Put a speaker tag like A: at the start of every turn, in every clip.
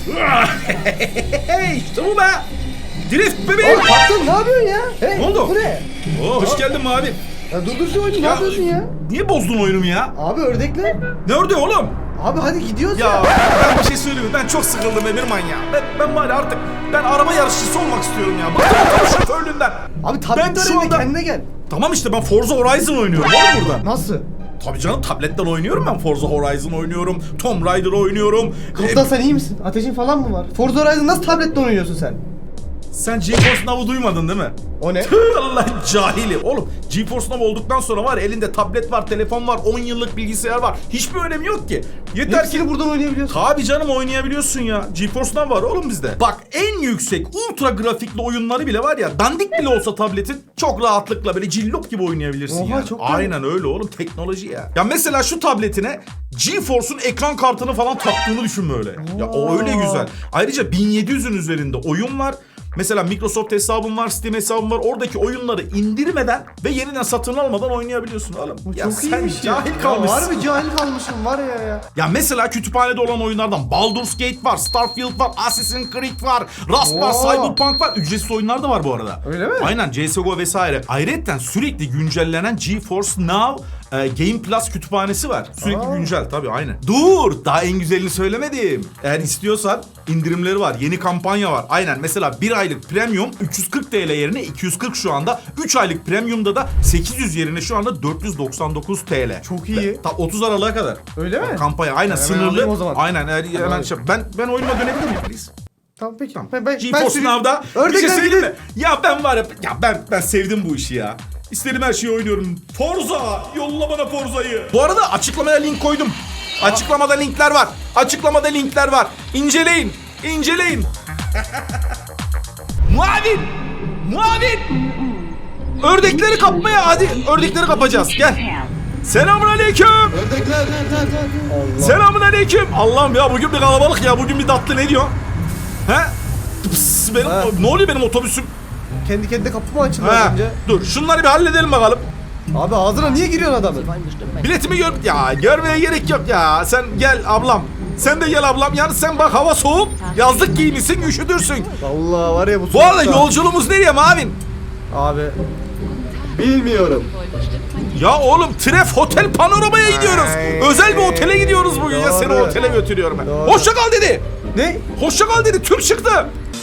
A: İşte bu be. Drift bebeğim.
B: Patron ne yapıyorsun ya? Hey,
A: Ne oldu?
B: Bu ne?
A: Hoş geldin abi.
B: Ya durdur şu oyunu, ne yapıyorsun ya?
A: Niye bozdun oyunumu ya?
B: Abi ördekler.
A: Ne ördü oğlum?
B: Abi hadi gidiyoruz
A: Ya
B: ya.
A: ben bir şey söyleyeyim mi? Ben çok sıkıldım Emirman ya. Ben var ya artık araba yarışçısı olmak istiyorum ya. Bıktım otobüs şoförlüğünden.
B: Abi tablet
A: Ben şu
B: arayın,
A: anda-
B: kendine gel.
A: Tamam işte ben Forza Horizon oynuyorum oğlum burada.
B: Nasıl?
A: Tabii canım tabletten oynuyorum ben. Forza Horizon oynuyorum. Tomb Raider oynuyorum.
B: Kaptan sen iyi misin? Ateşin falan mı var? Forza Horizon nasıl tabletle oynuyorsun sen?
A: Sen GeForce Now'u duymadın değil mi?
B: O ne?
A: Tüh, Allah cahili. Oğlum GeForce Now olduktan sonra var ya, elinde tablet var, telefon var, 10 yıllık bilgisayar var. Hiçbir önemi yok ki. Yeter ki...
B: Hepsini buradan oynayabiliyorsun.
A: Tabii canım oynayabiliyorsun ya. GeForce Now var oğlum bizde. Bak en yüksek ultra grafikli oyunları bile var ya, dandik bile olsa tabletin çok rahatlıkla böyle cillop gibi oynayabilirsin
B: Oha,
A: ya.
B: çok
A: Aynen öyle oğlum, teknoloji ya. Ya mesela şu tabletine GeForce'un ekran kartını falan taktığını düşün böyle. Ya o öyle güzel. Ayrıca 1700'ün üzerinde oyun var. Mesela Microsoft hesabın var, Steam hesabın var. Oradaki oyunları indirmeden ve yeniden satın almadan oynayabiliyorsun oğlum. Ya
B: Çok
A: sen
B: iyiymiş ya.
A: cahil kalmışsın.
B: Ya harbi cahil kalmışım var ya.
A: Ya mesela kütüphanede olan oyunlardan Baldur's Gate var, Starfield var, Assassin's Creed var, Rust var,
B: Oo.
A: Cyberpunk var. Ücretsiz oyunlar da var bu arada.
B: Öyle mi?
A: Aynen, CSGO vesaire. Ayrıca sürekli güncellenen GeForce Now Game Plus kütüphanesi var. Sürekli güncel tabii, aynen. Dur, daha en güzelini söylemedim. Eğer istiyorsan indirimleri var. Yeni kampanya var. Aynen, mesela 1 aylık premium 340 TL yerine 240 şu anda. 3 aylık premiumda da 800 yerine şu anda 499 TL.
B: Çok iyi.
A: 30 Aralık'a kadar.
B: Öyle mi?
A: Kampanya aynen,
B: Hemen
A: sınırlı.
B: alayım o zaman.
A: Aynen, hemen şey. Ben oyunuma dönebilir miyim please?
B: Tamam peki.
A: Tamam.
B: Ben
A: GeForce Now'da bir şey
B: Ördekler
A: söyleyeyim mi?
B: gidin.
A: Ya ben var ya, ben sevdim bu işi ya. İstediğim her şeyi oynuyorum. Forza! Yolla bana Forza'yı. Bu arada açıklamaya link koydum. Açıklamada linkler var. Açıklamada linkler var. İnceleyin. İnceleyin. Muavin! Muavin! Ördekleri kapmaya, hadi ördekleri kapacağız. Gel. Selamünaleyküm.
B: Ördekler. Allah.
A: Selamünaleyküm. Allah'ım ya, bugün bir kalabalık ya. Bugün bir tatlı, ne diyor? He? Pıs, ne oluyor benim otobüsüm?
B: Kendi kendine kapı mı açıldı
A: Ha,
B: önce?
A: dur şunları bir halledelim bakalım.
B: Abi ağzına niye giriyorsun adamın?
A: Biletimi gör... Ya görmeye gerek yok ya. Sen gel ablam. Sen de gel ablam. Yani sen bak, hava soğuk. Yazlık giymişsin, üşüdürsün.
B: Allah var ya bu
A: Bu arada
B: soğukta.
A: yolculuğumuz nereye Mavin?
B: Abi. Bilmiyorum.
A: Ya oğlum, Tref Hotel Panorama'ya gidiyoruz.
B: Ay.
A: Özel bir otele gidiyoruz bugün ya. Seni
B: Doğru.
A: otele götürüyorum ben.
B: Doğru.
A: Hoşça kal dedi.
B: Ne?
A: Hoşça kal dedi. Türk çıktı.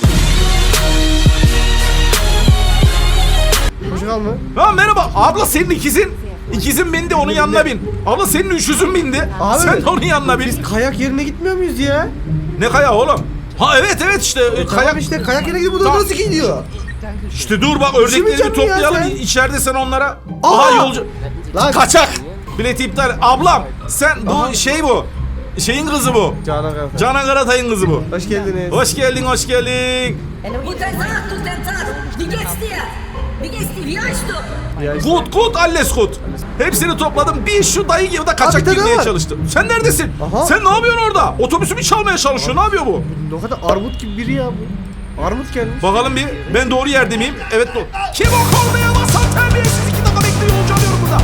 B: Hoşça kal mı?
A: Ha, merhaba. Abla senin ikizin. İkizin bindi, onun yanına bin. Abla senin üçüzün bindi.
B: Abi,
A: Sen de onun yanına bin.
B: Biz kayak yerine gitmiyor muyuz ya?
A: Ne kaya oğlum? Ha evet işte kayak
B: Tamam işte kayak yerine gidip bu da
A: Tamam.
B: nasıl gidiyor?
A: İşte dur bak, ördekleri bir
B: Üşümeyecek mi ya
A: toplayalım.
B: sen?
A: İçeride sen onlara.
B: Aa!
A: Aha yolcu.
B: Lan.
A: Kaçak. Bileti iptal. Ablam sen bu şey bu. Şeyin kızı bu.
B: Canan Karatay.
A: Canan Karatay'ın kızı bu.
B: Hoş geldiniz.
A: Hoş geldin, hoş geldin.
C: Guten Tag, guten Tag. Wie geht's dir? Wie geht's dir? Wie heißt du?
B: Ya işte.
A: Gut, alles gut. Hepsini topladım. Bir şu dayı gibi de
B: Abi,
A: kaçak
B: bir tane
A: girmeye
B: var.
A: çalıştım. Sen neredesin?
B: Aha.
A: Sen ne yapıyorsun orada? Otobüsümü çalmaya çalışıyor. Ne yapıyor bu?
B: O kadar armut gibi biri ya bu. Armut gelmiş.
A: Bakalım bir, ben doğru yerde miyim? Evet doğru. Kim o kornaya basan terbiyesiz, 2 dakika bekliyor, yolcu alıyorum burada.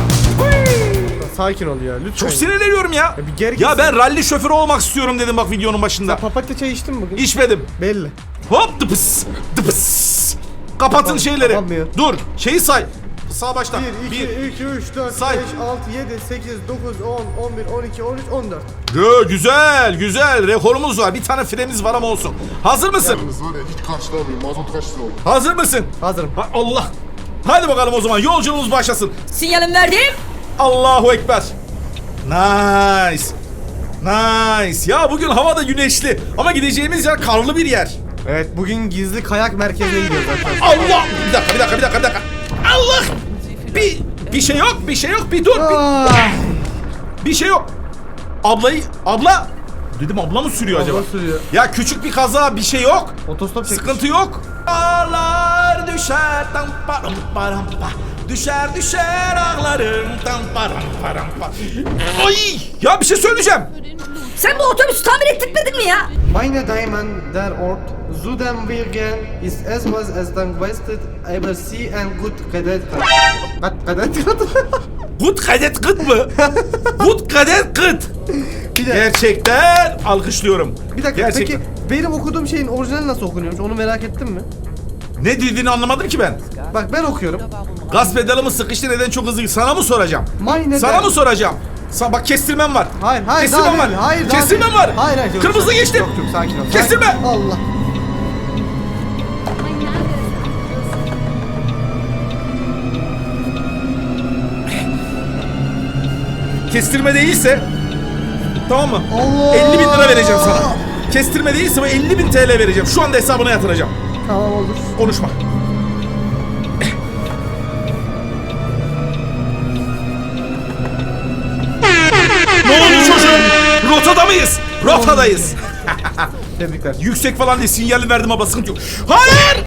B: Sakin ol ya lütfen.
A: Çok sinirleniyorum ya.
B: Ya bir geri
A: Ya
B: gitsin.
A: ben ralli şoförü olmak istiyorum dedim bak videonun başında.
B: Papatya çay içtin mi bugün?
A: İçmedim.
B: Belli.
A: Hop dıpıs dıpıs. Kapatın şeyleri.
B: kapanmıyor.
A: Dur, şeyi say. Sağ baştan.
B: 1, 2, 3, 4, 5,
A: Say.
B: 6, 7, 8, 9, 10, 11, 12, 13, 14.
A: Güzel güzel, rekorumuz var. Bir tane fremiz var ama olsun. Hazır mısın?
D: Yalnız var ya, hiç karşılamıyorum. Mazot kaç lira oldu?
A: Hazır mısın?
B: Hazırım.
A: Ha, Allah. Hadi bakalım o zaman, yolculuğumuz başlasın.
C: Sinyalim verdim.
A: Allahu Ekber. Nice. Nice. Ya bugün hava da güneşli ama gideceğimiz yer karlı bir yer.
B: Evet bugün gizli kayak merkezine gidiyoruz arkadaşlar.
A: Allah! Bir dakika. Allah! Bir şey yok, bir dur. Bir şey yok. Abla. Dedim, abla mı sürüyor acaba?
B: Abla sürüyor.
A: Ya küçük bir kaza, bir şey yok.
B: Otostop çekmiş.
A: Sıkıntı yok. Dağlar düşer tam param param pa. Düşer ağlarım tam param param pa. Ay! Ya bir şey söyleyeceğim.
C: Sen bu otobüsü tamir ettirmedin mi ya?
B: Meine Damen der Ort, Zudem Wilgen ist etwas as dann wasted, aber Sie ein gut Kadet. Kadet.
A: Gut kadet kıt mı? Gut kadet kıt.
B: Bir de
A: Gerçekten alkışlıyorum.
B: bir dakika
A: Gerçekten.
B: peki Benim okuduğum şeyin orijinali nasıl okunuyormuş onu merak ettin mi?
A: Ne dediğini anlamadım ki ben.
B: Bak ben okuyorum.
A: Gaz pedalımı sıkıştı, neden çok hızlı? Sana mı soracağım?
B: Neden?
A: Sana mı soracağım? Bak kestirmem var.
B: Hayır,
A: Kestirmem
B: daha
A: var.
B: değil, hayır, daha
A: Kestirmem
B: değil.
A: var.
B: Hayır, yok,
A: Kırmızı geçtim.
B: Yok, sakin ol.
A: Kestirme.
B: Sakin. Allah.
A: Kestirme değilse, tamam mı?
B: Allah.
A: 50 bin lira vereceğim sana. Kestirme değilse ben 50 bin TL vereceğim. Şu anda hesabına yatıracağım.
B: Tamam olur.
A: Konuşma. Ne oldu çocuğum? Rotada mıyız? Rotadayız.
B: Tebrikler.
A: Yüksek falan diye sinyali verdim ama sıkıntı yok. Hayır!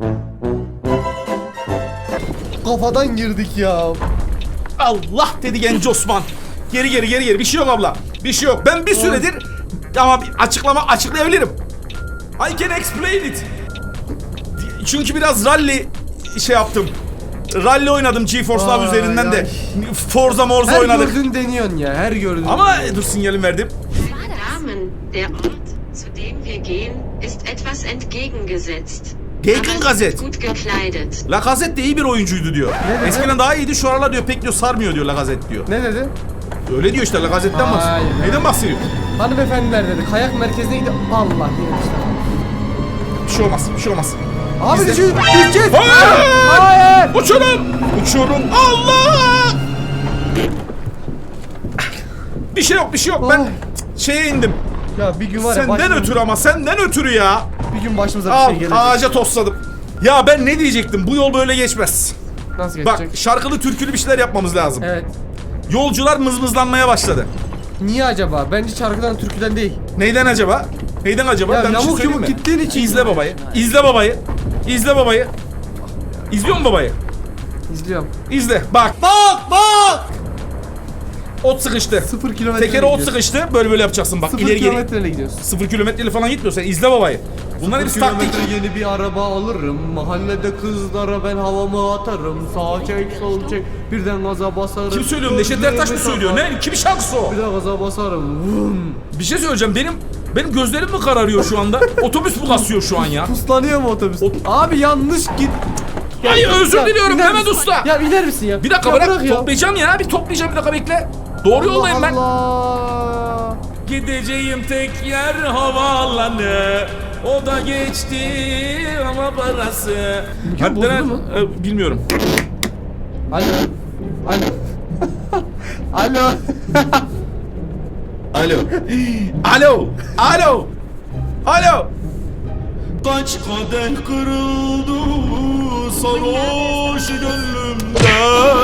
B: Kafadan girdik ya.
A: Allah dedi genç Osman. Geri. Bir şey yok abla. Bir şey yok. Ben bir süredir ama bir açıklayabilirim. I can explain it. Çünkü biraz rally şey yaptım. Rally oynadım GeForce Now
B: Ay,
A: üzerinden de.
B: ay.
A: Forza Morza
B: Her
A: oynadık.
B: gördüğün deniyorsun ya, her gördüğün.
A: Ama dur sinyalim verdim.
E: Damen, der Ort, zu dem wir gehen, ist etwas entgegengesetzt.
A: Gegengazet.
E: Aber gut gekleidet.
A: Lacazette de iyi bir oyuncuydu diyor.
B: dedi?
A: Eskiden daha iyiydi, şu aralar diyor pek diyor sarmıyor diyor Lacazette diyor.
B: Ne dedi?
A: Öyle diyor işte, Lacazette'den bahsediyor.
B: Hayır.
A: Neyden bahsediyor?
B: Hanımefendiler dedi. Kayak merkezine gidiyor. Allah yine işte.
A: Bir şey olmaz, bir şey olmaz.
B: Abi
A: Bizde-
B: düşeceğiz.
A: Hayır!
B: Hayır.
A: Uçuyorum. Allah! Bir şey yok. Ben
B: Ay.
A: şeye indim.
B: Ya bir gün var ya
A: Senden ötürü ama senden ötürü ya.
B: Bir gün başımıza bir
A: Al,
B: şey gelecek.
A: ağaca tosladım. Ya ben ne diyecektim? Bu yol böyle geçmez.
B: Nasıl
A: Bak,
B: geçecek?
A: şarkılı türkülü bir şeyler yapmamız lazım.
B: Evet.
A: Yolcular mızmızlanmaya başladı.
B: Niye acaba? Bence şarkıdan türküden değil.
A: Neyden acaba? Neyden acaba?
B: Ya
A: Ben bir şey
B: yamuk
A: söyleyeyim
B: yumuk
A: mi?
B: gittiğin için.
A: İzle babayı. İzle babayı. İzle babayı. İzliyor musun babayı?
B: İzliyorum.
A: İzle. Bak. Ot sıkıştı.
B: 0 kilometre.
A: Tekere ot sıkıştı. Böyle yapacaksın bak.
B: 0
A: İleri geri.
B: kilometreyle gidiyorsun.
A: 0 kilometreyle falan gitmiyor. Sen izle babayı. Bunlar hepsi taktik.
B: Yeni bir araba alırım. Mahallede kızlara ben havamı atarım. Sağ çek sol çek. Birden gaza basarım.
A: Kim söylüyor? Neşet Ertaş mı söylüyor? Ne? Kimin şarkısı o?
B: Bir de gaza basarım. Vum.
A: Bir şey söyleyeceğim. Benim gözlerim mi kararıyor şu anda? Otobüs mu kasıyor şu an ya?
B: Puslanıyor mu otobüs? Abi yanlış git.
A: Ay özür
B: Ya,
A: diliyorum
B: iner
A: Mehmet
B: misin?
A: Usta.
B: Ya iner misin ya?
A: Bir dakika
B: Ya
A: bırak.
B: ya.
A: Toplayacağım ya. Bir toplayacağım, bir dakika bekle. Doğru yoldayım ben.
B: Allah.
A: Gideceğim tek yer havaalanı. O da geçti ama parası.
B: Mükemmel bozuldu
A: Hadi
B: mu?
A: bilmiyorum.
B: Alo. Alo. Alo.
A: Alo. Alo. Alo. Alo. Kaç kadeh kırıldı sarhoş gönlümde.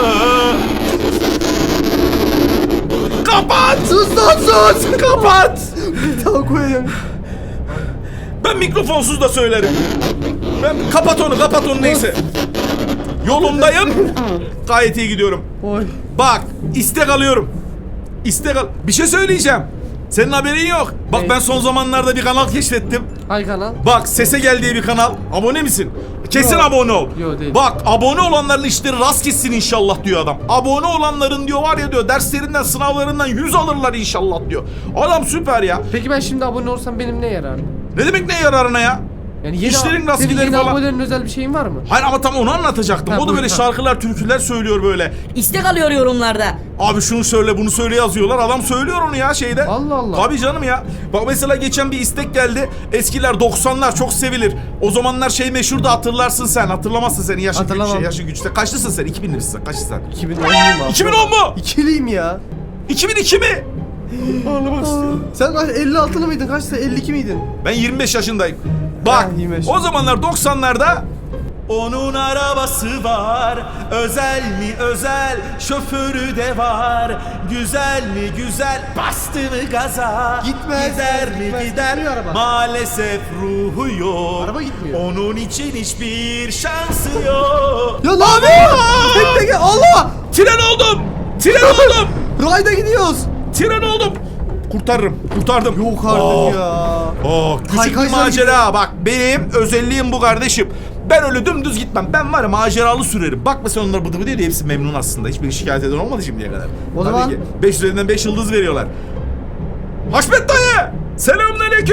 A: Kapat.
B: Sus lan sus.
A: Kapat.
B: Bir daha koyayım.
A: Ben mikrofonsuz da söylerim. Ben kapat onu neyse. Yolundayım. Gayet iyi gidiyorum.
B: Oy.
A: Bak, istek alıyorum. Bir şey söyleyeceğim. Senin haberin yok. Bak
B: Ne?
A: ben son zamanlarda bir kanal keşfettim.
B: Hay kanal.
A: Bak, Sese Gel diye bir kanal. Abone misin? Kesin
B: Yok.
A: abone ol.
B: Yok, değil.
A: Bak, abone olanların işleri rast gitsin inşallah diyor adam. Abone olanların diyor var ya diyor derslerinden sınavlarından 100 alırlar inşallah diyor. Adam süper ya.
B: Peki ben şimdi abone olsam benim ne yararım?
A: Ne demek ne yararına ya?
B: Yani yeni
A: İşlerin rast
B: senin
A: gideri
B: yeni
A: falan.
B: abonelerin özel bir şeyin var mı?
A: Hayır ama tam onu anlatacaktım.
B: Ha,
A: O da
B: buyur,
A: böyle
B: ha.
A: şarkılar, türküler söylüyor böyle.
C: İstek alıyor yorumlarda.
A: Abi şunu söyle, bunu söyle yazıyorlar. Adam söylüyor onu ya şeyde.
B: Allah Allah.
A: Tabii canım ya. Bak mesela geçen bir istek geldi. Eskiler 90'lar çok sevilir. O zamanlar şey meşhurdu, hatırlarsın sen. Hatırlamazsın senin yaşın güç,
B: Hatırlamam.
A: yaşın güçte. Kaçlısın sen? 2000'lisin. Kaçlısın sen?
B: 2010'luyum abi.
A: 2010 mu?
B: İkiliyim ya.
A: 2002 mi? Ağlamak istiyorum.
B: Sen kaç 56'lı mıydın? Kaçta 52 miydin?
A: Ben 25 yaşındayım. Bak,
B: Ha, 25.
A: o zamanlar 90'larda onun arabası var, özel mi özel, şoförü de var. Güzel mi güzel, bastı mı gaza.
B: Gitmez,
A: Gider mi
B: gitmez,
A: gider,
B: gitmiyor araba.
A: maalesef ruhu yok.
B: Araba gitmiyor.
A: Onun için hiçbir şansı yok.
B: Ya lan bekle gel Allah!
A: Tren oldum, tren oldum,
B: Rayda gidiyoruz.
A: tren oldum. Kurtardım.
B: Yok artık
A: Oh.
B: ya.
A: Küçük bir
B: Kaykaylar
A: macera. Bak benim özelliğim bu kardeşim. Ben öyle dümdüz gitmem. Ben var ya maceralı sürerim. Bak mesela onlar bıdı bıdı diye hepsi memnun aslında. Hiçbir şikayet eden olmadı şimdiye kadar.
B: O
A: Tabii
B: zaman-
A: ki 5 üzerinden 5 yıldız veriyorlar. Haşmet dayı! Selamünaleyküm.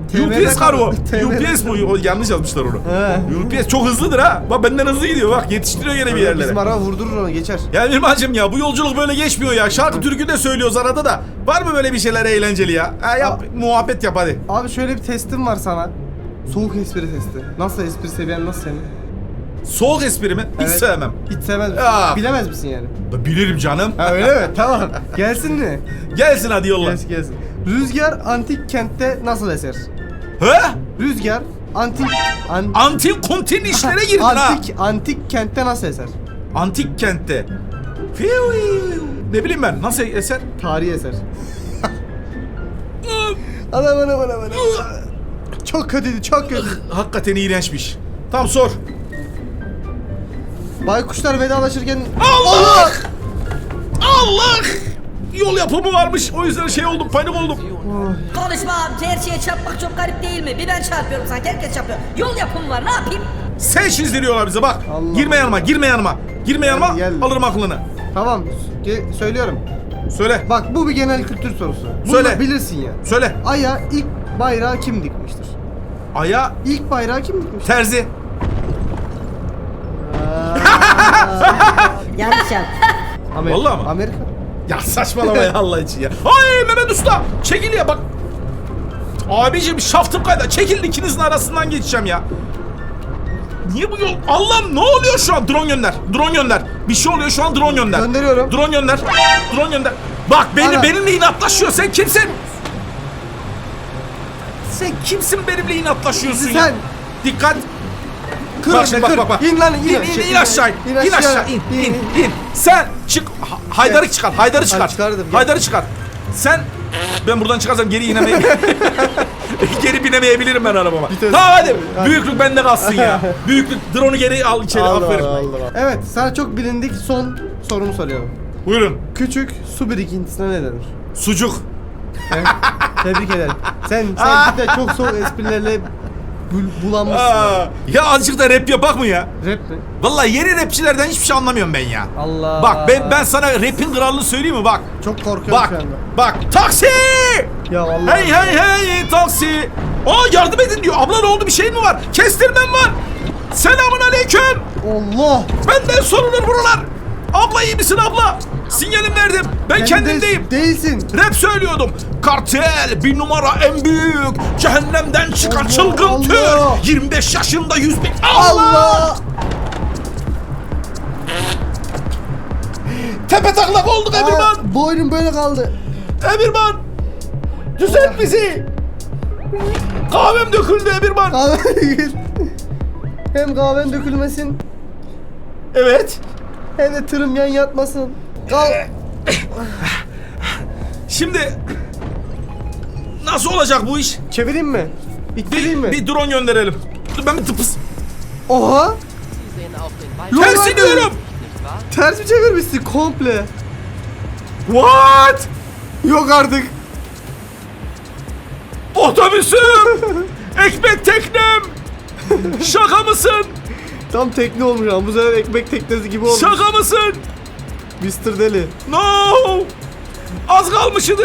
B: TM'de
A: UPS kargo.
B: TM'de
A: UPS bu. O, yanlış yazmışlar onu.
B: He.
A: UPS çok hızlıdır ha. Bak benden hızlı gidiyor bak. Yetiştiriyor gene bir yerlere.
B: Bizim araba vurdurur onu geçer.
A: Ya Mirmancığım ya bu yolculuk böyle geçmiyor ya. Şarkı türkü de söylüyoruz arada da. Var mı böyle bir şeyler eğlenceli ya? Ha, yap muhabbet yap hadi.
B: Abi şöyle bir testim var sana. Soğuk espri testi. Nasıl espri seviyen nasıl senin?
A: Soğuk espri mi? Hiç
B: Evet.
A: sevmem.
B: Hiç sevmez misin?
A: Ya.
B: Bilemez misin yani?
A: Bilirim canım.
B: Ha öyle mi? Tamam. Gelsin mi?
A: Gelsin hadi yolla.
B: Gelsin. Rüzgar antik kentte nasıl eser?
A: He?
B: Rüzgar
A: Antik kontin işlere girdin ha.
B: antik kentte nasıl eser?
A: Antik kentte. Ne bileyim ben nasıl eser?
B: Tarihi eser. Ana. Çok kötüydü, çok kötü.
A: Hakikaten iğrençmiş. Tamam sor.
B: Baykuşlar vedalaşırken...
A: Allah! Allah! Yol yapımı varmış. O yüzden şey oldum, panik oldum.
C: Konuşma abi. Her şeye çarpmak çok garip değil mi? Bir ben çarpıyorum sanki. Herkes çarpıyor. Yol yapımı var. Ne yapayım?
A: Sen çizdiriyorlar bize bak.
B: Allah
A: Girme yanıma, girme yanıma. Girme yanıma,
B: Gel.
A: alırım aklını.
B: Tamam, söylüyorum.
A: Söyle,
B: Bak bu bir genel kültür sorusu. Bunu
A: Söyle.
B: da bilirsin ya.
A: söyle.
B: Ay'a ilk bayrağı kim dikmiştir?
A: Aya,
B: İlk bayrağı kim dikmiştir?
A: terzi.
C: Yanlış yap.
B: Amerika.
A: Vallahi mi?
B: Amerika.
A: Ya saçmalama ya Allah için ya. Ay Mehmet Usta, çekil ya bak. Abicim şaftım kayda. Çekilin ikinizin arasından geçeceğim ya. Niye bu yol? Allah'ım ne oluyor şu an? Drone gönder. Drone gönder. Bir şey oluyor şu an drone gönder.
B: Gönderiyorum.
A: Drone gönder. Drone gönder. Bak
B: Ana.
A: benimle inatlaşıyor. Sen kimsin? Sen kimsin benimle inatlaşıyorsun ya?
B: Sen.
A: Dikkat.
B: Kır,
A: Bak şimdi bak.
B: İn lan,
A: İn aşağı. İn aşağı. İn. Sen çık. Haydar'ı çıkar. Haydar'ı çıkar.
B: çıkardım, gel.
A: Haydar'ı çıkar. Sen ben buradan çıkarsam geri geri binemeyebilirim ben arabama.
B: Vites-
A: Tamam hadi. Büyüklük bende kalsın ya. Büyüklük. Drone'u geri al içeri. Aferin.
B: Evet, sana çok bilindik son sorumu soruyorum.
A: Buyurun.
B: Küçük su birikintisine ne denir?
A: Sucuk.
B: Evet, tebrik ederim. Sen bir de çok soğuk esprilerle bulanmışsın.
A: Ya azıcık da rap yapak mı ya?
B: Rap mi?
A: Vallahi yeni rapçilerden hiçbir şey anlamıyorum ben ya.
B: Allah.
A: Bak ben sana rap'in kralını söyleyeyim mi bak.
B: çok korkuyorum
A: Bak.
B: şu anda.
A: Bak. Taksi!
B: Ya Allah.
A: Hey taksi. Aa yardım edin diyor. Abla ne oldu bir şey mi var? Kestirmem var. Selamun aleyküm.
B: Allah.
A: Benden sorulur buralar. Abla iyi misin abla? Sinyalim verdim. Ben kendimdeyim.
B: Değilsin.
A: Rap söylüyordum. Kartel bir numara en büyük. Cehennemden çıkan
B: Allah,
A: çılgın tür.
B: Allah.
A: 25 yaşında 100 bin.
B: Allah.
A: Tepe taklak olduk Emirman.
B: Boynum böyle kaldı.
A: Emirman. Düzelt bizi. Kahvem döküldü Emirman.
B: Kahve hem kahven dökülmesin
A: Evet.
B: hem de tırım yan yatmasın.
A: Şimdi nasıl olacak bu iş?
B: Çevireyim mi? İttireyim mi?
A: Bir drone gönderelim. Dur ben bir tıpız.
B: Oha!
A: Tersi diyorum.
B: Ters mi çevirmişsin komple?
A: What?
B: Yok artık.
A: Otobüsüm. Ekmek teknem. Şaka mısın?
B: Tam tekne olmuş ama bu sefer ekmek teknesi gibi olmuş.
A: Şaka mısın?
B: Mr. Deli.
A: No. Az kalmışydı.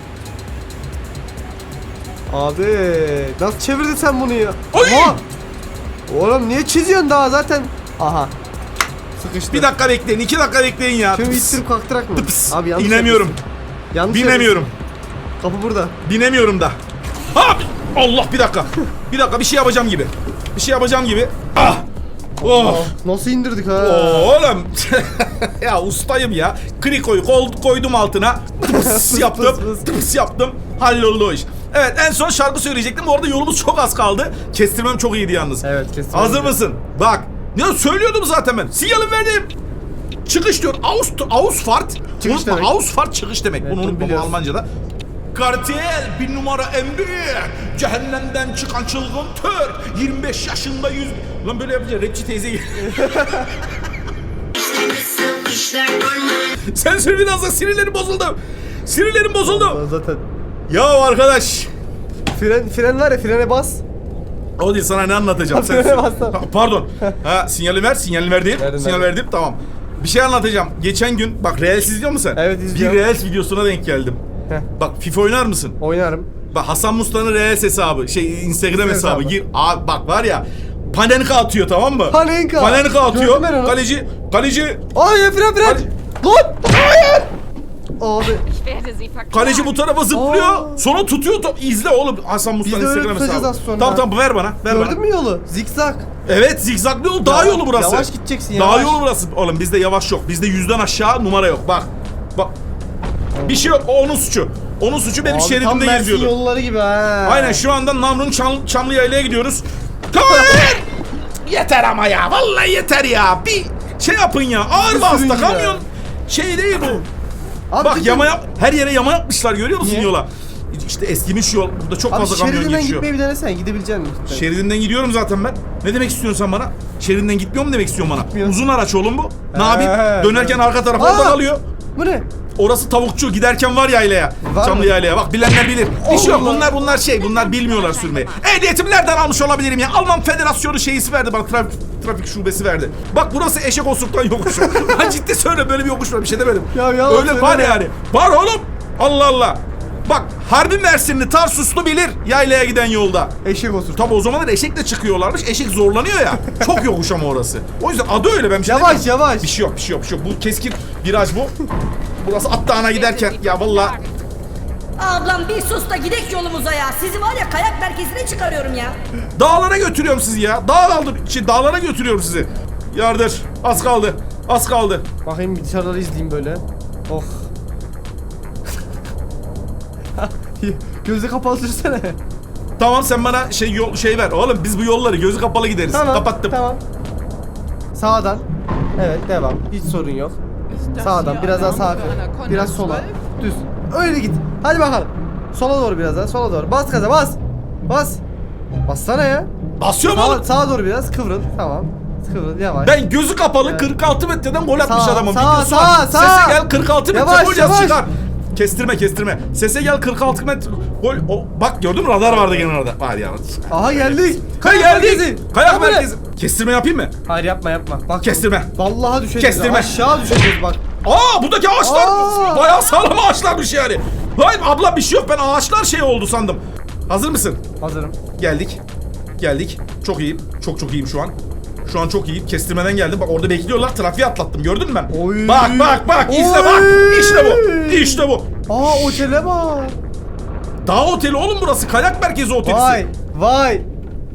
B: Abi nasıl çevirdin sen bunu ya?
A: Oy!
B: Oha! Oğlum niye çiziyorsun daha zaten? Aha. Sıkıştı.
A: Bir dakika bekleyin. 2 dakika bekleyin ya.
B: Şunu
A: Tıps.
B: ittirip kalktırak mı?
A: Tıps.
B: Abi yanlış
A: İnemiyorum.
B: yapıyorsun. Yanlış
A: Binemiyorum.
B: yapıyorsun. Kapı burada.
A: Binemiyorum da. Ha! Allah bir dakika. Bir dakika bir şey yapacağım gibi. Bir şey yapacağım gibi. Ah! Oh!
B: Nasıl indirdik ha?
A: Oğlum. Ya ustayım ya. Krikoyu koydum altına. Tıps yaptım. Tıps yaptım. Halloldu o iş. Evet en son şarkı söyleyecektim. Bu arada yolumuz çok az kaldı. Kestirmem çok iyiydi yalnız.
B: Evet kesin.
A: Hazır mısın? Bak. Ne söylüyordum zaten ben. Sinyalim verdim. Çıkış diyor. Ausfahrt.
B: Çıkış
A: Unutma,
B: demek.
A: Ausfahrt çıkış demek.
B: Evet,
A: Bunu
B: bunu
A: unutma
B: biliyoruz.
A: Almanca'da. Kartel bir numara en büyük. Cehennemden çıkan çılgın tür. 25 yaşında 100. Lan böyle yapınca rapçi teyze geliyor. Sen söyle biraz da sinirlerim bozuldu. Sinirlerim bozuldu.
B: Zaten.
A: Ya arkadaş.
B: Fren var ya frene bas.
A: O değil sana ne anlatacağım sen.
B: Frene bastım.
A: Pardon. Ha sinyali ver. Sinyali ver değil.
B: Verdim,
A: Sinyal
B: verdim.
A: verdim tamam. Bir şey anlatacağım. Geçen gün bak Reels izliyor musun sen?
B: Evet, izliyorum.
A: Bir Reels videosuna denk geldim.
B: Heh.
A: Bak FIFA oynar mısın?
B: Oynarım.
A: Bak Hasan Mustafa'nın Reels hesabı, Instagram hesabı. Gir. Abi bak var ya, Panenka atıyor, tamam mı?
B: Panenka
A: atıyor.
B: Gördüm ben onu.
A: Kaleci.
B: Ay fren. Lan! Hayır! Abi.
F: Ich werde sie verklagen.
A: Kaleci bu tarafa zıplıyor. Sonra tutuyor. İzle oğlum Hasan Mustafa'nın
B: Biz de öyle
A: Instagram
B: tutacağız
A: hesabı.
B: az sonra.
A: Tamam ver bana.
B: Gördün mü yolu? Zikzak.
A: Evet, zigzaglı yol, dağ yolu burası.
B: Yavaş gideceksin,
A: Dağ
B: yavaş.
A: yolu burası. Oğlum bizde yavaş yok. Bizde 100'den aşağı numara yok. Bak. Bir şey yok. O onun suçu. Onun suçu benim
B: Abi, tam
A: şeridimde
B: Mersin
A: geziyordu.
B: yolları gibi ha.
A: Aynen, şu anda Namrun Çamlıyayla'ya gidiyoruz. Hayır! Yeter ama ya. Vallahi yeter ya. Bir şey yapın ya. Ağır
B: Bir
A: bastı
B: sürün ya.
A: kamyon. Şey değil bu.
B: Abi
A: Bak
B: cidden-
A: her yere yama yapmışlar, görüyor musun
B: Niye?
A: yola? İşte eskimiş yol. Burada çok
B: Abi
A: fazla kamyon
B: şeridinden
A: geçiyor.
B: gitmeyi bir denesene, gidebilecek misin?
A: Şeridinden gidiyorum zaten ben. Ne demek istiyorsun sen bana? Şeridinden gitmiyor mu demek istiyorsun bana?
B: Gitmiyor.
A: Uzun araç oğlum bu. Ne yapayım? Dönerken arka tarafa
B: Aa!
A: oradan alıyor.
B: Bu ne?
A: Orası tavukçu, giderken var yaylaya.
B: Var
A: Çamlı
B: mı?
A: yaylaya. Bak bilenler bilir. Bir şey yok.
B: Allah.
A: Bunlar bilmiyorlar sürmeyi. Ehliyetimi nereden almış olabilirim ya? Alman Federasyonu şeysi verdi bana, trafik şubesi verdi. Bak burası eşek osuruktan yokuşu. Ben ciddi söyle, böyle bir yokuş var, bir şey demedim.
B: Ya yalan
A: öyle var
B: söyleme.
A: yani. Var oğlum. Allah Allah. Bak Harbi Mersinli Tarsuslu bilir yaylaya giden yolda.
B: Eşek olsun.
A: Tabi o zamanlar eşekle çıkıyorlarmış. Eşek zorlanıyor ya. Çok yokuş ama orası. O yüzden adı öyle, ben bir şey
B: Yavaş,
A: demiyorum.
B: yavaş.
A: Bir şey yok. Bu keskin viraj bu. Burası at dağına giderken ya vallahi.
C: Ablam bir sus da gidek yolumuza ya. Sizi var ya kayak merkezine çıkarıyorum ya.
A: Dağlara götürüyorum sizi ya. Dağlara götürüyorum sizi. Yardır. Az kaldı.
B: Bakayım bir dışarıları izleyeyim böyle. Oh. Gözü kapalı sürsene.
A: Tamam, sen bana şey ver. Oğlum biz bu yolları gözü kapalı gideriz.
B: Tamam.
A: Kapattım.
B: Tamam. Sağdan. Evet, devam. Hiç sorun yok. Sağdan, biraz daha sağa. Biraz sola. Düz. Öyle git. Hadi bakalım. Sola doğru biraz daha. Sola doğru. Bas gaza, bas. Bas. Bassana ya.
A: Basıyorum oğlum.
B: Sağa doğru biraz kıvrıl. Tamam. Kıvrıl yavaş.
A: Ben gözü kapalı
B: Evet.
A: 46 metreden gol atmış
B: Sağ,
A: adamım.
B: sağ,
A: Videosu
B: sağ,
A: var.
B: sağ.
A: Sese gel 46 metre
B: Yavaş,
A: gol yaz,
B: yavaş.
A: çıkar. Kestirme. Sese gel 46 metre gol. Bak gördün mü, radar vardı gene orada. Var ya.
B: Aha geldik.
A: Geldik. Kayak
B: Tamam.
A: merkezi. Kestirme yapayım mı?
B: Hayır yapma. Bak.
A: Kestirme.
B: Vallahi düşeceğiz.
A: Kestirme.
B: Aşağı düşeceğiz bak.
A: Buradaki ağaçlar
B: Aa!
A: bayağı sağlam ağaçlarmış yani. Hayır abla, bir şey yok, ben ağaçlar şey oldu sandım. Hazır mısın?
B: Hazırım.
A: Geldik. Çok iyiyim. Çok iyiyim şu an. Şu an çok iyiyim. Kestirmeden geldim. Bak orada bekliyorlar. Trafiği atlattım. Gördün mü ben?
B: Oy.
A: Bak. İzle
B: Oy.
A: bak. İşte bu.
B: Aa otele bak.
A: Dağ oteli oğlum burası. Kayak merkezi otelisi.
B: Vay.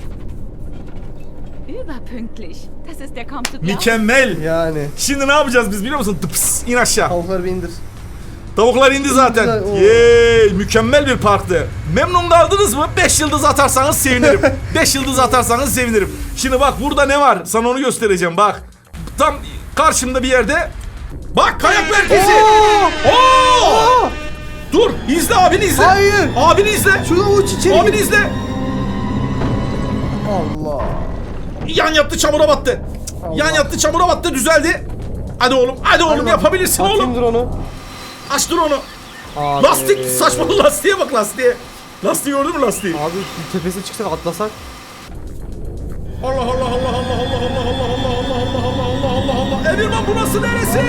F: Überpünktlich. Das ist ja kaum zu glauben.
A: Mükemmel.
B: Yani.
A: Şimdi ne yapacağız biz biliyor musun? Tıps, in aşağı.
B: Tavukları bir indir.
A: Tavuklar indi zaten.
B: Güzel, o.
A: Yeee, mükemmel bir parktı. Memnun kaldınız mı? 5 yıldız atarsanız sevinirim. 5 yıldız atarsanız sevinirim. Şimdi bak burada ne var? Sana onu göstereceğim bak. Tam karşımda bir yerde. Bak kayak merkezi. Oo! Dur, izle, abini izle.
B: Hayır.
A: Abini izle.
B: Şurada uç içeri
A: Abini
B: gir.
A: izle.
B: Allah.
A: Yan yattı, çamura battı. Yan yattı, çamura battı, düzeldi. Hadi oğlum
B: Hadi
A: yapabilirsin
B: bak.
A: oğlum.
B: Bakayım dur onu.
A: Açtır onu.
B: Abi.
A: Lastik, saçma lastiğe bak, lastiğe. Lastiği gördün mü lastiği?
B: Abi bir tepesine çıksak atlasak.
A: Allah. Emirman burası neresi?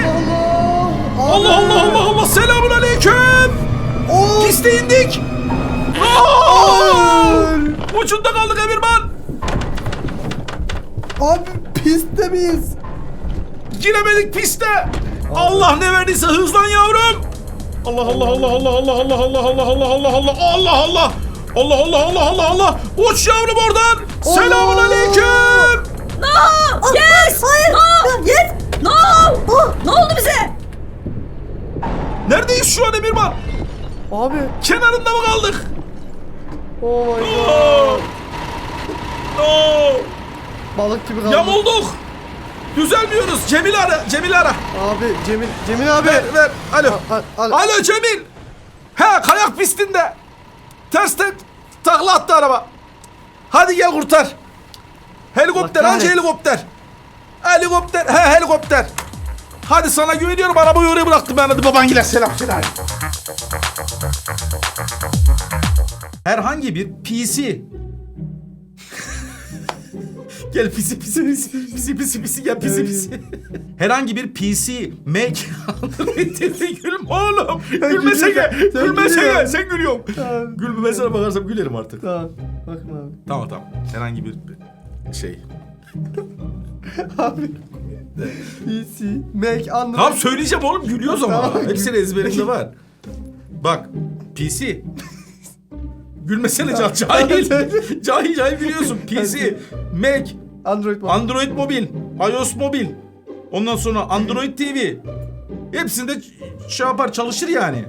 A: Allah. Selamun aleyküm.
B: Oo.
A: Piste indik. Ucunda kaldık Emirman.
B: Abi pistte miyiz?
A: Giremedik piste. Allah ne verdiyse hızlan yavrum. Allah. Uç yavrum oradan. Selamun aleyküm.
C: No! Yes! Hayır! No! Yes! No! Ne oldu bize?
A: Neredeyiz şu an Emirman?
B: Abi.
A: Kenarında mı kaldık?
B: Oh my
A: No.
B: god.
A: No.
B: Balık gibi kaldık.
A: Yamulduk. Düzelmiyoruz. Cemil ara.
B: Abi Cemil abi.
A: Ver. Alo.
B: Al.
A: Alo Cemil. He, kayak pistinde. Tersten takla attı araba. Hadi gel kurtar. Helikopter,
B: Allah
A: anca
B: kahretsin.
A: helikopter. Helikopter. Hadi sana güveniyorum, arabayı oraya bıraktım ben, hadi babangile selam. Herhangi bir PC Gel pisi pisi pisi pisi pisi pisi gel pisi pisi. Herhangi bir PC, Mac, Android TV gülüm oğlum. Gülmesene.
B: Sen
A: Gülmesene.
B: gülüyorsun.
A: Sen gülüyorsun.
B: Tamam.
A: Gülmemesine bakarsam gülerim artık.
B: Tamam. Bakma abi.
A: Tamam. Herhangi bir şey.
B: Abi. PC, Mac, Android.
A: Tamam söyleyeceğim oğlum gülüyoruz ama.
B: Tamam.
A: Hepsinin ezberimde var. Bak PC. Gülmesene cahil. Cahil biliyorsun. PC, Mac,
B: Android
A: Mobil, iOS Mobil. Ondan sonra Android TV. Hepsinde şey yapar çalışır yani.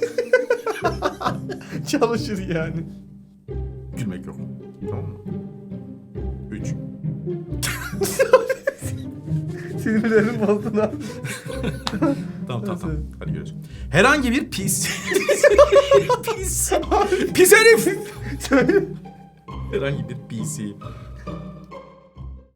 B: çalışır yani.
A: Gülmek yok. Tamam mı? 3.
B: Sinirlerim bozdun abi.
A: Tamam. Hadi görüşürüz. Herhangi bir pis. Pis herif. Herhangi bir PC,